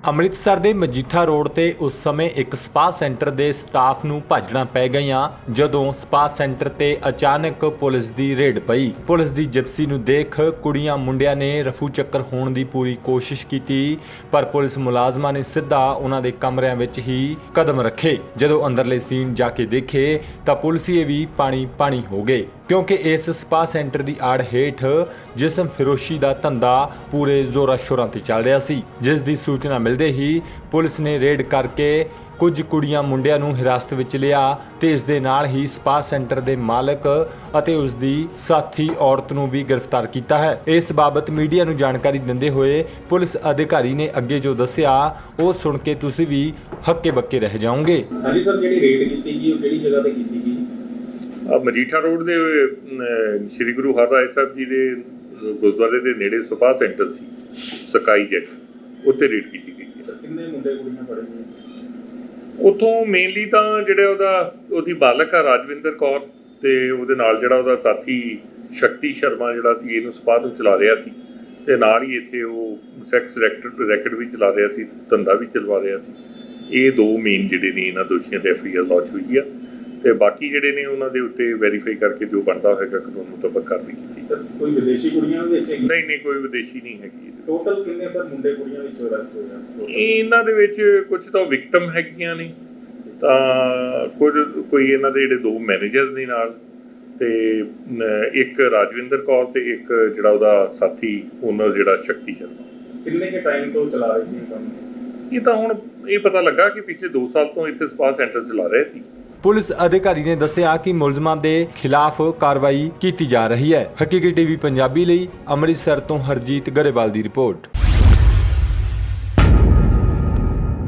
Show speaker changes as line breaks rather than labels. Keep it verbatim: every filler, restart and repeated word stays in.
ਅੰਮ੍ਰਿਤਸਰ ਦੇ ਮਜੀਠਾ ਰੋਡ ਤੇ ਉਸ ਸਮੇਂ ਇੱਕ ਸਪਾ ਸੈਂਟਰ ਦੇ ਸਟਾਫ ਨੂੰ ਭੱਜਣਾ ਪੈ ਗਈਆਂ ਜਦੋਂ ਸਪਾ ਸੈਂਟਰ ਤੇ ਅਚਾਨਕ ਪੁਲਿਸ ਦੀ ਰੇਡ ਪਈ। ਪੁਲਿਸ ਦੀ ਜਿਪਸੀ ਨੂੰ ਦੇਖ ਕੁੜੀਆਂ ਮੁੰਡਿਆਂ ਨੇ ਰਫੂ ਚੱਕਰ ਹੋਣ ਦੀ ਪੂਰੀ ਕੋਸ਼ਿਸ਼ ਕੀਤੀ, ਪਰ ਪੁਲਿਸ ਮੁਲਾਜ਼ਮਾਂ ਨੇ ਸਿੱਧਾ ਉਹਨਾਂ ਦੇ ਕਮਰਿਆਂ ਵਿੱਚ ਹੀ ਕਦਮ ਰੱਖੇ। ਜਦੋਂ ਅੰਦਰਲੇ ਸੀਨ ਜਾ ਕੇ ਦੇਖੇ ਤਾਂ ਪੁਲਿਸੀਏ ਵੀ ਪਾਣੀ ਪਾਣੀ ਹੋ ਗਏ, ਕਿਉਂਕਿ ਇਸ ਸਪਾ ਸੈਂਟਰ ਦੀ ਆੜ ਹੇਠ ਜਿਸਮ ਫਿਰੋਸ਼ੀ ਦਾ ਧੰਦਾ ਪੂਰੇ ਜ਼ੋਰਾਂ ਸ਼ੋਰਾਂ ਤੇ ਚੱਲ ਰਿਹਾ ਸੀ, ਜਿਸ ਦੀ ਸੂਚਨਾ ਮਿਲਦੇ ਹੀ ਪੁਲਿਸ ਨੇ ਰੇਡ ਕਰਕੇ ਕੁਝ ਕੁੜੀਆਂ ਮੁੰਡਿਆਂ ਨੂੰ ਹਿਰਾਸਤ ਵਿੱਚ ਲਿਆ ਤੇ ਇਸ ਦੇ ਨਾਲ ਹੀ ਸਪਾ ਸੈਂਟਰ ਦੇ ਮਾਲਕ ਅਤੇ ਉਸ ਦੀ ਸਾਥੀ ਔਰਤ ਨੂੰ ਵੀ ਗ੍ਰਿਫਤਾਰ ਕੀਤਾ ਹੈ। ਇਸ ਬਾਬਤ ਮੀਡੀਆ ਨੂੰ ਜਾਣਕਾਰੀ ਦਿੰਦੇ ਹੋਏ ਪੁਲਿਸ ਅਧਿਕਾਰੀ ਨੇ ਅੱਗੇ ਜੋ ਦੱਸਿਆ ਉਹ ਸੁਣ ਕੇ ਤੁਸੀਂ ਵੀ ਹੱਕੇ ਬੱਕੇ ਰਹਿ ਜਾਓਗੇ।
ਹਾਂਜੀ ਸਰ, ਜਿਹੜੀ ਰੇਡ ਕੀਤੀ ਗਈ ਉਹ ਕਿਹੜੀ ਜਗ੍ਹਾ ਤੇ ਕੀਤੀ ਗਈ?
ਮਜੀਠਾ ਰੋਡ ਦੇ ਸ਼੍ਰੀ ਗੁਰੂ ਹਰਰਾਏ ਸਾਹਿਬ ਜੀ ਦੇ ਗੁਰਦੁਆਰੇ ਦੇ ਨੇੜੇ ਸਪਾ ਸੈਂਟਰ ਸੀ ਸਕਾਈ ਜੈਟ, ਉੱਤੇ ਰੇਡ ਕੀਤੀ ਗਈ ਹੈ।
ਕਿੰਨੇ ਮੁੰਡੇ ਕੁੜੀਆਂ ਫੜੇ ਗਏ?
ਉੱਥੋਂ ਮੇਨਲੀ ਤਾਂ ਜਿਹੜਾ ਉਹਦਾ ਉਹਦੀ ਬਾਲਕ ਆ ਰਾਜਵਿੰਦਰ ਕੌਰ ਤੇ ਉਹਦੇ ਨਾਲ ਜਿਹੜਾ ਉਹਦਾ ਸਾਥੀ ਸ਼ਕਤੀ ਸ਼ਰਮਾ ਜਿਹੜਾ ਸੀ ਇਹਨੂੰ ਸਪਾ ਨੂੰ ਚਲਾ ਰਿਹਾ ਸੀ ਤੇ ਨਾਲ ਹੀ ਇੱਥੇ ਉਹ ਸੈਕਸ ਰੈਕਟ ਰੈਕਟ ਵੀ ਚਲਾ ਰਿਹਾ ਸੀ, ਧੰਦਾ ਵੀ ਚਲਵਾ ਰਿਹਾ ਸੀ। ਇਹ ਦੋ ਮੇਨ ਜਿਹੜੇ ਨੇ ਇਹਨਾਂ ਦੋਸ਼ੀਆਂ ਤੇ ਐਫ ਆਈ ਆਰ ਲੌਂਚ ਹੋਈ ਆ ਤੇ ਬਾਕੀ ਜਿਹੜੇ ਨੇ ਉਹਨਾਂ ਦੇ ਉੱਤੇ ਵੈਰੀਫਾਈ ਕਰਕੇ ਜੋ ਬਣਦਾ ਹੋਏਗਾ ਕਾਨੂੰਨ ਮੁਤਾਬਕ ਕਾਰਵਾਈ ਕੀਤੀ ਜਾਵੇ।
ਕੋਈ ਵਿਦੇਸ਼ੀ ਕੁੜੀਆਂ ਵਿੱਚ ਹੈਗੀ?
ਨਹੀਂ ਨਹੀਂ ਕੋਈ ਵਿਦੇਸ਼ੀ ਨਹੀਂ ਹੈਗੀ।
ਟੋਟਲ ਕਿੰਨੇ ਸਰ ਮੁੰਡੇ ਕੁੜੀਆਂ ਵਿੱਚ ਅਰੈਸਟ ਹੋਏ ਹਨ?
ਇਹਨਾਂ ਦੇ ਵਿੱਚ ਕੁਝ ਤਾਂ ਵਿਕਟਮ ਹੈਗੀਆਂ ਨੇ, ਤਾਂ ਕੁਝ ਕੋਈ ਇਹਨਾਂ ਦੇ ਜਿਹੜੇ ਦੋ ਮੈਨੇਜਰ ਨੇ ਨਾਲ ਤੇ ਇੱਕ ਰਾਜਵਿੰਦਰ ਕੌਰ ਤੇ ਇੱਕ ਜਿਹੜਾ ਉਹਦਾ ਸਾਥੀ ਓਨਰ ਜਿਹੜਾ ਸ਼ਕਤੀ ਸ਼ਰਮਾ।
ਕਿੰਨੇ ਕੇ ਟਾਈਮ ਤੋਂ ਚਲਾ ਰਹੇ ਸੀ ਇਹ ਕੰਮ?
ਇਹ ਤਾਂ ਹੁਣ ਇਹ ਪਤਾ ਲੱਗਾ ਕਿ ਪਿਛਲੇ ਦੋ ਸਾਲ ਤੋਂ ਇੱਥੇ ਸਪਾ ਸੈਂਟਰ ਚਲਾ ਰਹੇ ਸੀ।
ਪੁਲਿਸ ਅਧਿਕਾਰੀ ਨੇ ਦੱਸਿਆ ਕਿ ਮੁਲਜ਼ਮਾਂ ਦੇ ਖਿਲਾਫ ਕਾਰਵਾਈ ਕੀਤੀ ਜਾ ਰਹੀ ਹੈ। ਹਕੀਕੀ ਟੀਵੀ ਪੰਜਾਬੀ ਲਈ ਅੰਮ੍ਰਿਤਸਰ ਤੋਂ ਹਰਜੀਤ ਗਰੇਵਾਲ ਦੀ ਰਿਪੋਰਟ।